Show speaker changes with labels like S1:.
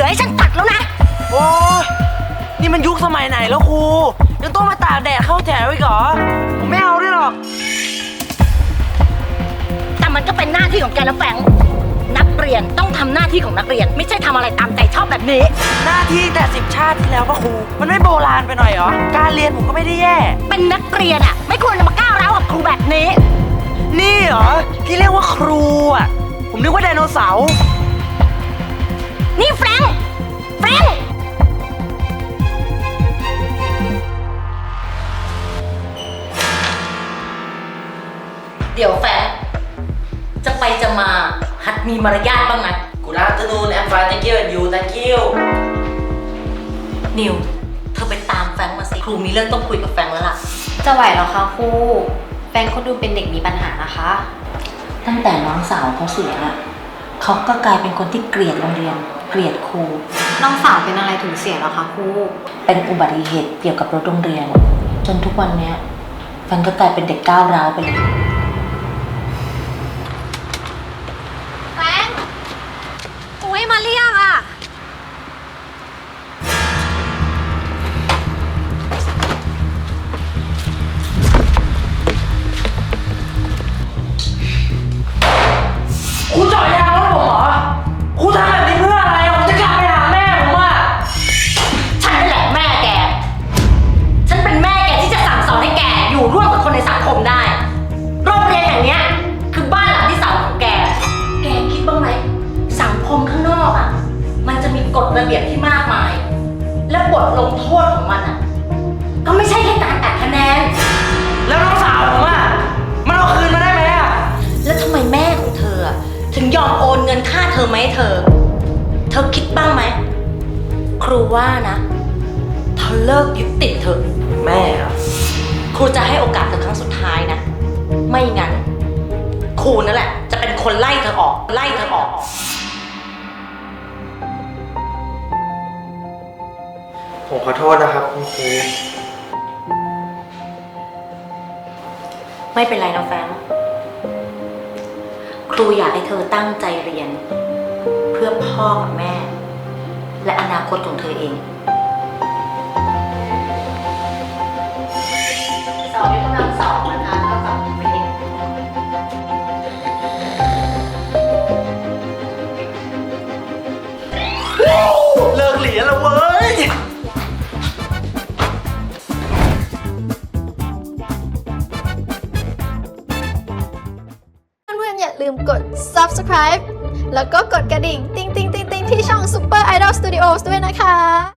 S1: อให้ฉันตัดแล้วนะ
S2: โอ้นี่มันยุคสมัยไหนแล้วครูยังต้องมาตากแดดเข้าแถวอีกเหรอผมไม่เอาด้วยหรอก
S1: แต่มันก็เป็นหน้าที่ของแกนะแฟงนักเรียนต้องทำหน้าที่ของนักเรียนไม่ใช่ทำอะไรตามใจชอบแบบนี้
S2: หน้าที่แต่10 ชาติที่แล้วป่ะครูมันไม่โบราณไปหน่อยเหรอการเรียนผมก็ไม่ได้แย่
S1: เป็นนักเรียนอะไม่ควรจะมาก้าวร้าวกับครูแบบนี้
S2: นี่เหรอที่เรียกว่าครูอะผมนึกว่าไดโนเสาร์
S1: นี่แฟงเดี๋ยวแฟงจะไปจะมาหัดมีมารยาทบ้างนะ
S2: Good afternoon I'm fine thank you and you thank you
S1: นิวเธอไปตามแฟงมาสิครูมีเรื่องต้องคุยกับแฟงแล้วล่ะ
S3: จะไหวเหรอคะครูแฟนเขาดูเป็นเด็กมีปัญหานะคะ
S1: ตั้งแต่น้องสาวเขาเสียเขาก็กลายเป็นคนที่เกลียดโรงเรียนเกลียดครู
S3: น้องสาวเป็นอะไรถึงเสียเหรอคะครู
S1: เป็นอุบัติเหตุเกี่ยวกับรถโรงเรียนจนทุกวันนี้แฟนก็กลายเป็นเด็กก้าวร้าวไปเลย
S3: แฟนครูให้มาเรียกอ่ะ
S2: ครูจ่อยยางรถผมเหรอครูทำแบบนี้เพื่ออะไรผมจะกลับไปหาแม่ผมอ่ะ
S1: ฉันนั่นแหละแม่แกฉันเป็นแม่แกที่จะสั่งสอนให้แกอยู่ร่วมกับคนในสังคมได้โรงเรียนแห่งนี้คือบ้านหลังที่สามของแกคิดบ้างไหมสังคมข้างนอกอ่ะมันจะมีกฎระเบียบที่มากมายและบทลงโทษของมันอ่ะก็ไม่ใช่แค่การตัดคะแนน
S2: แล้วน้องสาวผมอ่ะมันเอาคืนมาได้ไหมอ่ะ
S1: แล้วทำไมแม่ของเธอถึงยอมโอนเงินค่าเทอมมาให้เธอคิดบ้างไหมครูว่านะเธอเลิกยึดติดเธอ
S2: แม่เหรอ
S1: ครูจะให้โอกาสเธอครั้งสุดท้ายนะไม่งั้นครูนั่นแหละจะเป็นคนไล่เธอออก
S2: ผมขอโทษนะครับคุณครู
S1: ไม่เป็นไรนะแฟงครูอยากให้เธอตั้งใจเรียนเพื่อพ่อกับแม่และอนาคตของเธอเองสอบยกกำลังสองนะคะเท่ากับเป็นเด็ก
S2: เลิกเรียนแล้วเว้ย
S4: อย่าลืมกด subscribe แล้วก็กดกระดิ่งติ๊งๆๆๆที่ช่อง Super Idol Studios ด้วยนะคะ